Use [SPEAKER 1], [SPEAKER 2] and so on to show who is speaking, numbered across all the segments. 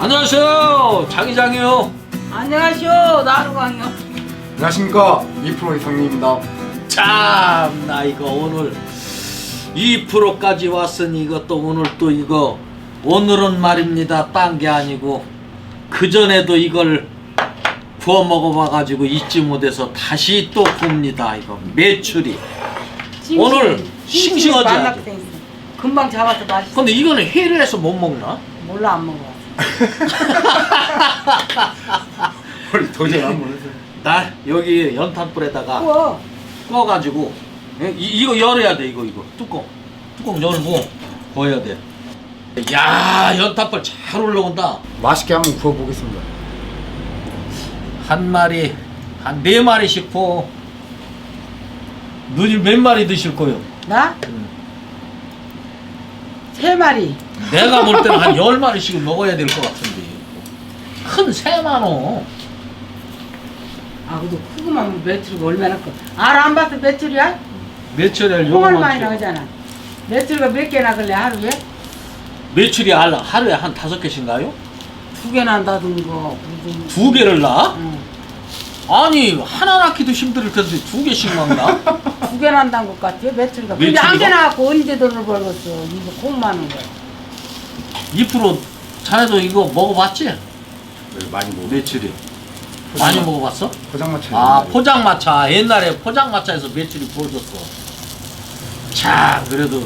[SPEAKER 1] 안녕하세요, 장이장이요.
[SPEAKER 2] 안녕하시오, 나루광이요.
[SPEAKER 3] 안녕하십니까, 2% 이상님입니다.
[SPEAKER 1] 참, 나 이거 오늘 2%까지 왔으니 이것도 오늘 또 이거 오늘은 말입니다. 딴 게 아니고 그 전에도 이걸 구워 먹어봐가지고 잊지 못해서 다시 또 굽니다. 이거 메추리. 오늘 싱싱하지 아주.
[SPEAKER 2] 금방 잡아서 맛있어.
[SPEAKER 1] 근데 이거는 회를 해서 못 먹나?
[SPEAKER 2] 몰라, 안 먹어.
[SPEAKER 3] 우리 도저히 안 모르세요.
[SPEAKER 1] 나 여기 연탄불에다가
[SPEAKER 2] 구워.
[SPEAKER 1] 꺼가지고 이거 열어야 돼. 이거 뚜껑 열고 구워야 돼. 야, 연탄불 잘 올라온다.
[SPEAKER 3] 맛있게 한번 구워보겠습니다.
[SPEAKER 1] 한 마리 한 4마리씩 구워. 누님 몇 마리 드실 거요?
[SPEAKER 2] 나? 3마리.
[SPEAKER 1] 내가 볼 때는 한 10마리씩 먹어야 될 것 같은데. 큰 새만어.
[SPEAKER 2] 아, 그래도 크구만 메추리가 얼마나 커. 알아, 안 봐서 메추리야?
[SPEAKER 1] 메추리알
[SPEAKER 2] 콩알 많이
[SPEAKER 1] 요거만
[SPEAKER 2] 나오잖아. 메추리가 몇 개나 걸래, 하루에?
[SPEAKER 1] 메추리 하루에 한 5개씩인가요?
[SPEAKER 2] 2개 난다든가.
[SPEAKER 1] 2개를 낳아?
[SPEAKER 2] 응.
[SPEAKER 1] 아니 하나 낳기도 힘들 텐데 2개씩 먹나?
[SPEAKER 2] 2개 난다는 것 같아, 메추리가. 근데
[SPEAKER 1] 메추리가?
[SPEAKER 2] 한 개 나갖고 언제 돈을 벌겠어. 이거 콩 많은 거.
[SPEAKER 1] 2% 자네도 이거 먹어봤지?
[SPEAKER 3] 많이 먹어.
[SPEAKER 1] 메추리 많이 먹어봤어?
[SPEAKER 3] 포장마차.
[SPEAKER 1] 아, 포장마차. 옛날에 포장마차에서 메추리 구워줬어. 자, 그래도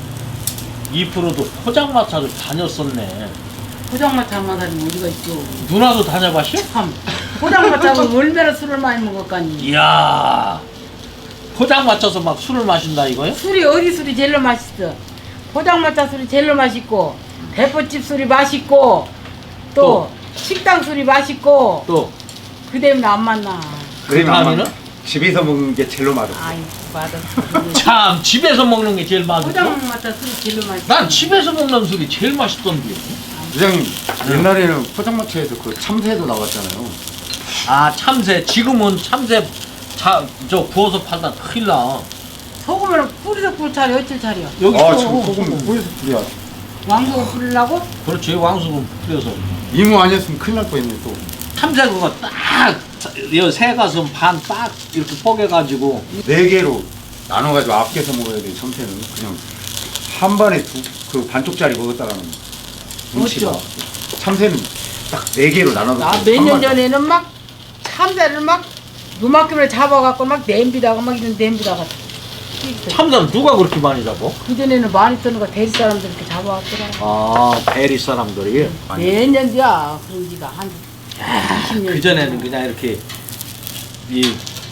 [SPEAKER 1] 2%도 포장마차를 다녔었네.
[SPEAKER 2] 포장마차만 다니면 어디가 있죠.
[SPEAKER 1] 누나도 다녀봤어?
[SPEAKER 2] 참. 포장마차면 얼마나 술을 많이 먹었까니.
[SPEAKER 1] 이야, 포장마차에서 막 술을 마신다 이거요?
[SPEAKER 2] 술이 어디 술이 제일 맛있어. 포장마차 술이 제일 맛있고, 대포집 술이 맛있고, 또 식당 술이 맛있고,
[SPEAKER 1] 또
[SPEAKER 2] 그 다음에 안 만나.
[SPEAKER 1] 다음에는?
[SPEAKER 3] 집에서 먹는 게 제일로 맛없어.
[SPEAKER 2] 아이, 맞아.
[SPEAKER 1] 참, 집에서 먹는 게 제일 맛있어.
[SPEAKER 2] 포장마차 술이 제일 맛있어.
[SPEAKER 1] 난 집에서 먹는 술이 제일 맛있던데.
[SPEAKER 3] 부장님, 옛날에는 포장마차에서 그 참새도 나왔잖아요.
[SPEAKER 1] 아, 참새. 지금은 참새 저 구워서 팔다 큰일 나.
[SPEAKER 2] 소금을 뿌리서 꿀 차려, 어쩔 차려.
[SPEAKER 1] 여기
[SPEAKER 3] 아,
[SPEAKER 1] 또
[SPEAKER 3] 지금 소금 뿌려서 뿌려.
[SPEAKER 2] 왕소금 뿌리려고?
[SPEAKER 1] 그렇지, 왕수금 뿌려서.
[SPEAKER 3] 이모 아니었으면 큰일 날 뻔했네 또.
[SPEAKER 1] 참새 그거 딱, 이 새가슴 반 딱 이렇게 뽀개가지고.
[SPEAKER 3] 4개로 나눠가지고 아껴서 먹어야 돼. 참새는 그냥 한 번에 그 반쪽짜리 먹었다가는 눈치가.
[SPEAKER 2] 어쩌?
[SPEAKER 3] 참새는 딱 4개로 나눠서.
[SPEAKER 2] 나 몇 년 전에는 막 참새를 막 요만큼을 잡아갖고 막 냄비다가 막 이런 냄비다가
[SPEAKER 1] 참새는 누가 그렇게 많이 잡어?
[SPEAKER 2] 그전에는 많이 뜨는 거 대리 사람들 이렇게 잡아왔더라.
[SPEAKER 1] 아, 대리 사람들이.
[SPEAKER 2] 몇 년 뒤야 그런 지가 한 20년.
[SPEAKER 1] 그전에는 그냥 이렇게 이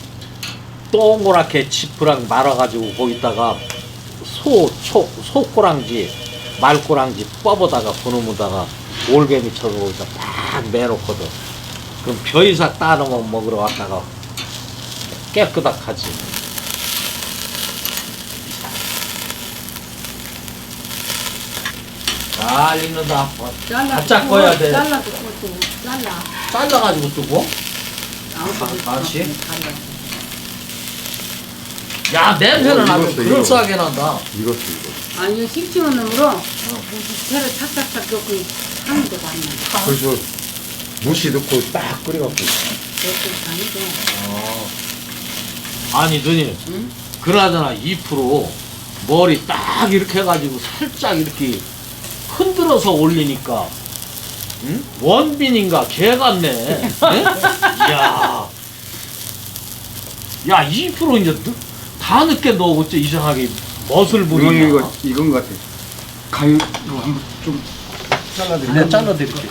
[SPEAKER 1] 동그랗게 지프랑 말아가지고 거기다가 소꼬랑지 말꼬랑지 뻗어다가 그놈에다가 올개미처럼 거기다 딱 매놓거든. 그럼 벼이삭 따놓으면 먹으러 왔다가 깨끗하지. 잘 익는다. 바짝 꺼야 돼.
[SPEAKER 2] 잘라도 그것도 잘라.
[SPEAKER 1] 잘라가지고 뜨고.
[SPEAKER 2] 아무것도
[SPEAKER 1] 같이? 야, 냄새는 아주
[SPEAKER 3] 익었어,
[SPEAKER 1] 그럴싸하게 난다.
[SPEAKER 3] 이거.
[SPEAKER 2] 아니 이거 싱싱한 놈으로 채를 탁탁탁 넣고 하는 거 많이 나.
[SPEAKER 3] 그래서 무시 넣고 딱 끓여갖고.
[SPEAKER 2] 그것도 다니고.
[SPEAKER 1] 아니, 누님.
[SPEAKER 2] 응?
[SPEAKER 1] 그나저나 2% 머리 딱 이렇게 해가지고 살짝 이렇게 흔들어서 올리니까, 응? 원빈인가 개 같네. 응? 야, 2% 이제 다 늦게 너 어째 이상하게 멋을 부리냐.
[SPEAKER 3] 이건 것 같아. 가위 이거 한번 좀 잘라드릴게요.
[SPEAKER 1] 내가 잘라드릴게.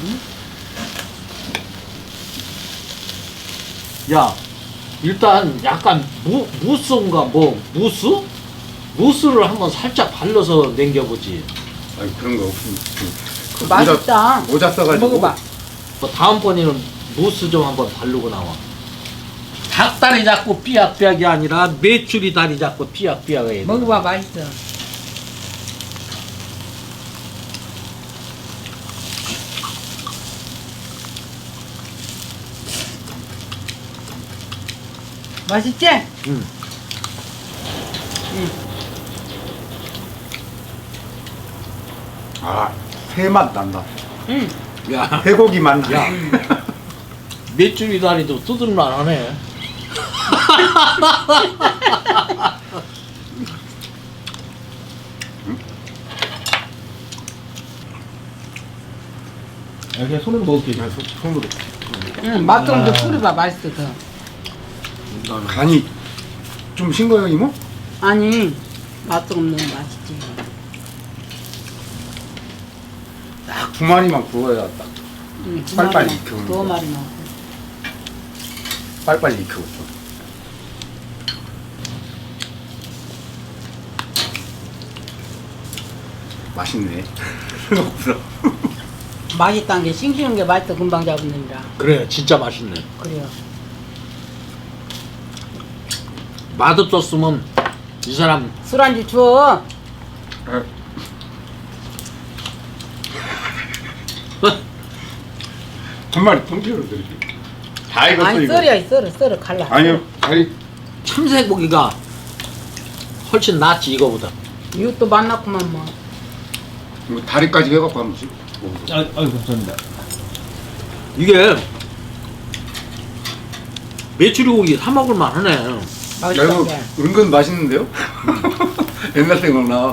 [SPEAKER 1] 야, 일단 약간 무스인가 뭐 무스? 무스를 한번 살짝 발라서 남겨보지.
[SPEAKER 3] 아니 그런 거 없으면 그
[SPEAKER 2] 맛있다.
[SPEAKER 3] 모자 써가지고.
[SPEAKER 2] 먹어봐.
[SPEAKER 1] 뭐 다음번에는 무스 좀 한번 바르고 나와. 닭다리 잡고 삐약삐약이 아니라 메추리 다리 잡고 삐약삐약이 해야 돼.
[SPEAKER 2] 먹어봐, 맛있어. 맛있지?
[SPEAKER 1] 응.
[SPEAKER 3] 아, 새맛 난다.
[SPEAKER 2] 응.
[SPEAKER 1] 야,
[SPEAKER 3] 회고기 맛나.
[SPEAKER 1] 야. 메추리 다리도 뜯을만하네.
[SPEAKER 4] 그냥 손으로 먹을게.
[SPEAKER 3] 그냥 손으로.
[SPEAKER 2] 응, 맛좀더 뿌려봐 맛있어 더.
[SPEAKER 3] 간이 좀 싱거요 이모?
[SPEAKER 2] 아니 맛좀 너무 맛있지.
[SPEAKER 3] 딱 두 마리만 구워야 딱
[SPEAKER 2] 응,
[SPEAKER 3] 빨리빨리 익히고.
[SPEAKER 2] 두 마리만.
[SPEAKER 3] 빨리빨리 익히고 좀. 맛있네. 생각보다.
[SPEAKER 2] 맛있다는 게 싱싱한 게 맛있어 금방 잡는다.
[SPEAKER 1] 그래, 진짜 맛있네.
[SPEAKER 2] 그래요.
[SPEAKER 1] 맛없었으면 이 사람
[SPEAKER 2] 술안주 줘.
[SPEAKER 3] 한 마리 통째로 드릴게요. 다 익었어
[SPEAKER 2] 아니
[SPEAKER 3] 이거.
[SPEAKER 2] 썰어 갈라.
[SPEAKER 3] 아니요. 아니
[SPEAKER 1] 참새고기가 훨씬 낫지 이거보다.
[SPEAKER 2] 이것도 맛났구만 뭐.
[SPEAKER 3] 이거 다리까지 해갖고 한 번씩 먹어보세요.
[SPEAKER 4] 아유 감사합니다.
[SPEAKER 1] 이게 메추리고기 사 먹을 만하네.
[SPEAKER 3] 야
[SPEAKER 2] 맛있다.
[SPEAKER 3] 이거
[SPEAKER 2] 게.
[SPEAKER 3] 은근 맛있는데요? 옛날 생각나.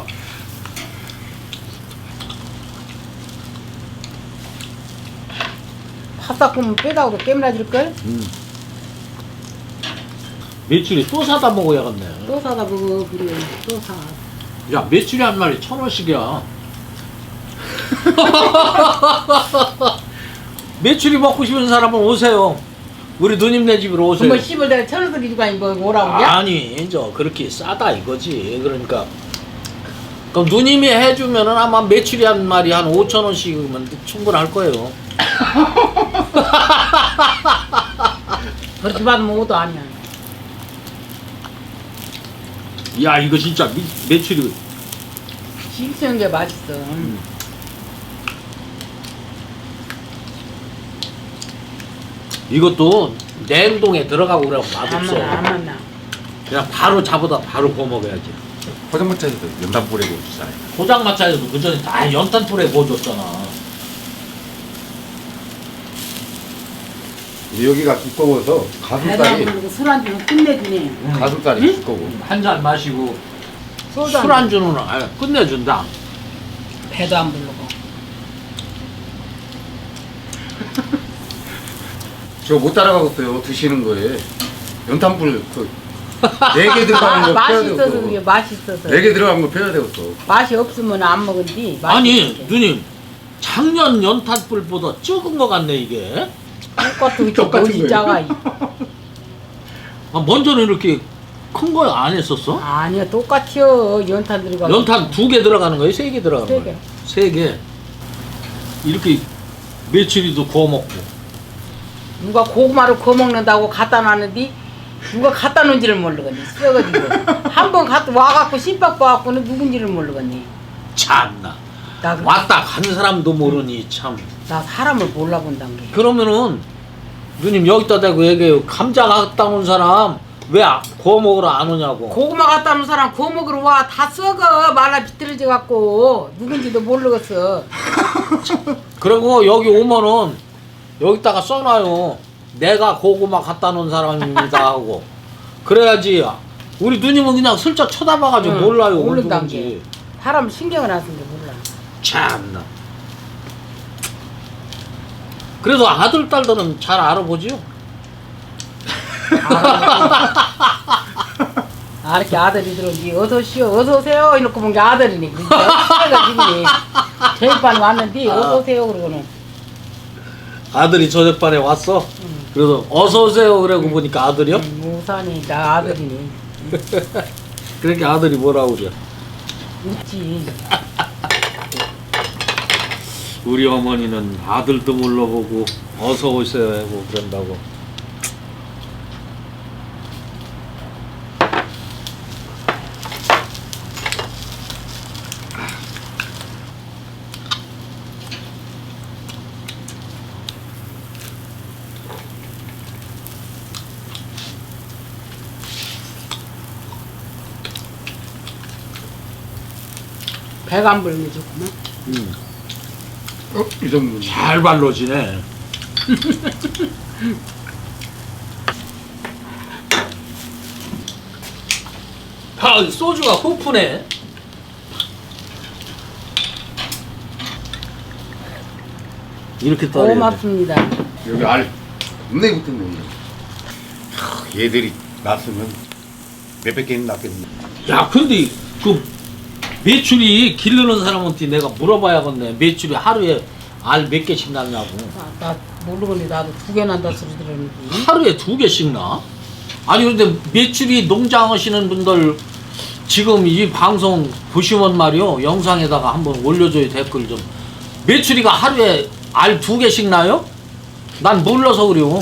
[SPEAKER 2] 팝싹 구면 빼다가도 깨물어질 걸?
[SPEAKER 1] 메추리 또 사다 먹어야겠네.
[SPEAKER 2] 또 사다 먹어 그래 또 사.
[SPEAKER 1] 야, 메추리 한 마리 1,000원씩이야. 메추리 먹고 싶은 사람은 오세요. 우리 누님네 집으로 오세요.
[SPEAKER 2] 뭐 씹을 내가 천원도 기주고 아니 뭐 오라고 그래?
[SPEAKER 1] 아니, 저 그렇게 싸다 이거지. 그러니까 그럼 누님이 해주면은 아마 메추리 한 마리 한 5,000원씩이면 충분할 거예요.
[SPEAKER 2] 그렇게 받으면 오도 아니야.
[SPEAKER 1] 야, 이거 진짜 메추리
[SPEAKER 2] 싱싱한 게 맛있어.
[SPEAKER 1] 이것도 냉동에 들어가고 그러면
[SPEAKER 2] 안
[SPEAKER 1] 맛없어.
[SPEAKER 2] 만나 안 만나.
[SPEAKER 1] 그냥 바로 잡아다 바로 구워 먹어야지.
[SPEAKER 3] 포장마차에서도 연단 뿌리고 주잖아요.
[SPEAKER 1] 포장마차에서도 그 전에 다 연탄불에 구워줬잖아.
[SPEAKER 3] 근데 여기가 두꺼워서 가슴살이
[SPEAKER 2] 배달 술안주는 끝내주네.
[SPEAKER 3] 가슴살이
[SPEAKER 2] 응?
[SPEAKER 3] 두꺼워.
[SPEAKER 1] 한 잔 마시고
[SPEAKER 2] 소주
[SPEAKER 1] 술 안주는 끝내준다.
[SPEAKER 2] 배도 안 부르고.
[SPEAKER 3] 저 못 따라가겠어요. 드시는 거에 연탄불 그 4개 들어가는 거 펴야
[SPEAKER 2] 맛있어서 그게
[SPEAKER 3] 되겠어.
[SPEAKER 2] 맛있어서.
[SPEAKER 3] 4개 들어간 거 펴야 되겠어.
[SPEAKER 2] 맛이 없으면 안 먹은디.
[SPEAKER 1] 아니 누님 작년 연탄불보다 적은 것 같네 이게.
[SPEAKER 2] 똑같은
[SPEAKER 3] 똑같은
[SPEAKER 2] 거지
[SPEAKER 3] 거예요.
[SPEAKER 2] 작아.
[SPEAKER 1] 아, 먼저는 이렇게 큰 거 안 했었어?
[SPEAKER 2] 아니야 똑같이요. 연탄 들어가.
[SPEAKER 1] 연탄 2개 들어가는 거예요? 3개 들어가는
[SPEAKER 2] 세
[SPEAKER 1] 거예요? 3개. 이렇게 메추리도 구워 먹고.
[SPEAKER 2] 누가 고구마를 구워 먹는다고 갖다 놨는데 누가 갖다 놓은지를 모르겠니. 썩어지고 한 번 갖다 와갖고 씹박 봐갖고는 누군지를 모르겠니.
[SPEAKER 1] 참나.
[SPEAKER 2] 나,
[SPEAKER 1] 왔다 간 사람도 모르니 참.
[SPEAKER 2] 나 사람을 몰라본단 게.
[SPEAKER 1] 그러면은 누님 여기다 대고 얘기해요. 감자 갖다 온 사람 왜 구워 먹으러 안 오냐고.
[SPEAKER 2] 고구마 갖다 놓은 사람 구워 먹으러 와. 다 썩어. 말라 비틀어져 갖고 누군지도 모르겠어.
[SPEAKER 1] 그리고 여기 오면은 여기다가 써놔요. 내가 고구마 갖다 놓은 사람입니다 하고. 그래야지. 우리 누님은 그냥 슬쩍 쳐다봐가지고
[SPEAKER 2] 응,
[SPEAKER 1] 몰라요.
[SPEAKER 2] 모른단
[SPEAKER 1] 누군지.
[SPEAKER 2] 게. 사람 신경을 안 쓰는 게 몰라.
[SPEAKER 1] 참나. 그래도 아들 딸들은 잘 알아보지요.
[SPEAKER 2] 아, 이렇게 아들이 들어오지. 어서 오시오, 어서 오세요. 이렇게 본 게 아들이니. 그래가지고 제일 빨리 왔는데 어서 오세요. 그러고는.
[SPEAKER 1] 아들이 저녁반에 왔어. 그래서 어서 오세요. 그러고 보니까 아들이요.
[SPEAKER 2] 우산이 나 아들이니.
[SPEAKER 1] 그러니까 아들이 뭐라고 그래.
[SPEAKER 2] 웃지.
[SPEAKER 1] 우리 어머니는 아들도 몰라보고 어서 오세요 하고 그런다고.
[SPEAKER 2] 배가 안 불면 좋구만.
[SPEAKER 3] 이 정도.
[SPEAKER 1] 잘 발라지네. 아, 소주가 호프네. 이렇게 떠야 돼.
[SPEAKER 2] 고맙습니다.
[SPEAKER 3] 여기 알 겁내 붙었네. 얘들이 났으면 몇백 개는 났겠네.
[SPEAKER 1] 야, 근데 그 매출이 기르는 사람한테 내가 물어봐야겠네. 매출이 하루에 알 몇 개씩 났냐고.
[SPEAKER 2] 나 모르겠네. 나도 2개 난다 소리 들었는데.
[SPEAKER 1] 하루에 2개씩 나? 아니 근데 매출이 농장 하시는 분들 지금 이 방송 보시면 말이요, 영상에다가 한번 올려줘요. 댓글 좀. 매출이가 하루에 알 2개씩 나요? 난 몰라서 그래요.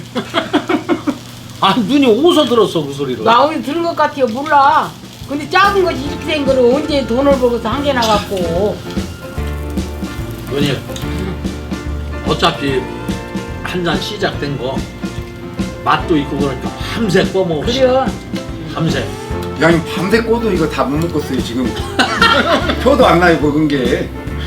[SPEAKER 1] 아, 눈이 오서 들었어 그 소리를.
[SPEAKER 2] 나 어디 들은 것 같아요. 몰라. 근데 작은 것이 이렇게 된 거를 언제 돈을 벌고서 한 개 나갔고.
[SPEAKER 1] 누님, 어차피 한 잔 시작된 거 맛도 있고 그러니까 밤새 꺼먹읍시다.
[SPEAKER 2] 그래.
[SPEAKER 1] 밤새.
[SPEAKER 3] 야, 이 밤새 꼬도 이거 다 못 먹겠어요 지금. 표도 안 나요 먹은 게.